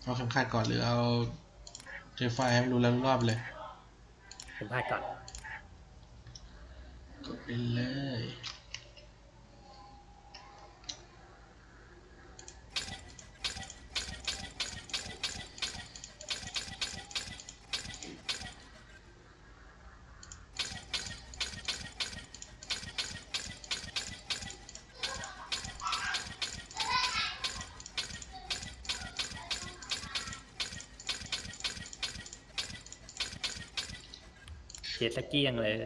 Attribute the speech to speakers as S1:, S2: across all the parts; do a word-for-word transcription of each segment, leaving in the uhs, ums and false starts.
S1: เอาเข็มขัดก่อนหรือเอาเจฟไฟให้มันรู้แล้วรอบเลย
S2: เข็มขัดก่อน
S1: กดไปเลย
S2: เจ็ดสกี้ยังเลย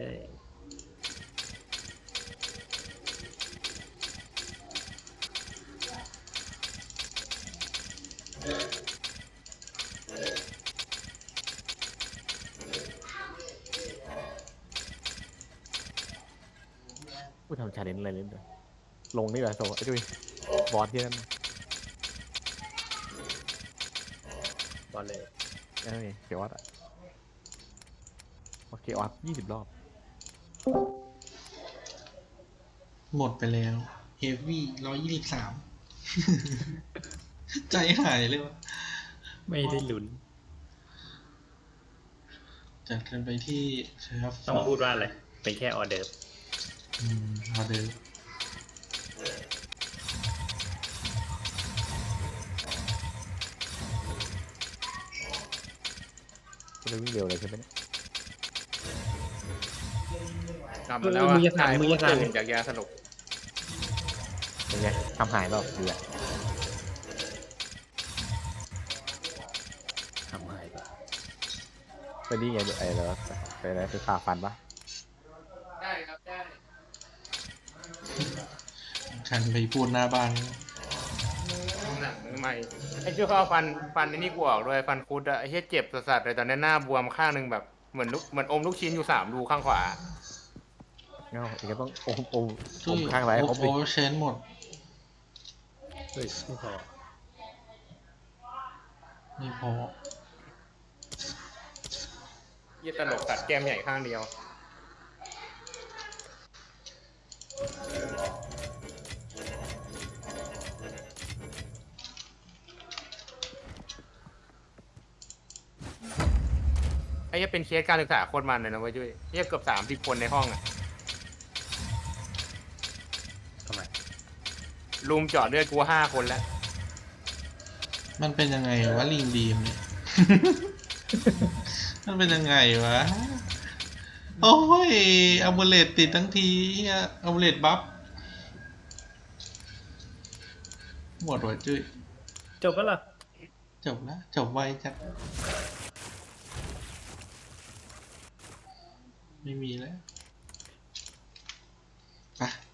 S3: พูดทำชาเลนจ์อะไรเล่นด้วยลงนี่แหละโซ่ไอ้ดุยบอสที่นั่น
S2: บอลเลย
S3: เอ้ยเขียววัดอะโอเควัดยี่สิบรอบ
S1: หมดไปแล้วเฮฟวี่ร้อยยี่สิบสามใจหายเลยวะ
S2: ไม่ได้ลุ้น
S1: จัดกันไปที่เชฟ
S2: ต้องพูดว่าอะไรเป็นแค่ออเดิร์ฟ
S1: อืมออเดอร์
S3: ก็เลยวิ่งเร็วเลยใช่ไหมเนี่ย
S4: กลับมาแล้วอ่ะถ่ายมือตื่นจากยาสลบ
S3: เป็นไงทำหายรอบดีอะ
S2: ทำหายไป
S3: เป็นนี่ไงไอ้แล้วเป็นอะไรคือขาฟันปะ
S4: ได้ครับได้
S1: คันไปพูดหน้าบ้าน
S4: หนังใหม่ไอ้ช่วยเขาเอาฟันฟันไอ้นี่กูออกด้วยฟันคุดอะไอ้เหี้ยเจ็บสัสๆเลยตอนนี้หน้าบวมข้างหนึ่งแบบเหมือนลูกเหมือนอมลูกชิ้นอยู่สามรูข้างขวา
S3: เงาอีกก็ต้องอมอม
S1: ช่
S3: อ
S1: วย
S3: มข้างไร
S1: โอ
S3: ครบดิ
S1: เวอร์เชนหมด
S2: เฮ้ยไม่พอ
S1: ไม่พอ
S4: เหี้ยตลกตัดแก้มใหญ่ข้างเดียวไอ้เหี้ยเป็นเคสการศึกษาโคตรมันเลยนะเว้ยจุ้ยเหี้ยเกือบสามสิบคนในห้องอะ
S2: ทำไม
S4: ลุมเจาะเลือดกูห้าคนแล้ว
S1: มันเป็นยังไงวะลิงดีมเนี่ย มันเป็นยังไงวะ โอ้ยอัลเบเลตติดทั้งทีเฮียอัลเบเลตบัฟหมดว่ะจุ้ย
S2: จบแล้วล่ะ
S1: จบแล้วจบไวจัดไม่มีแล้วไป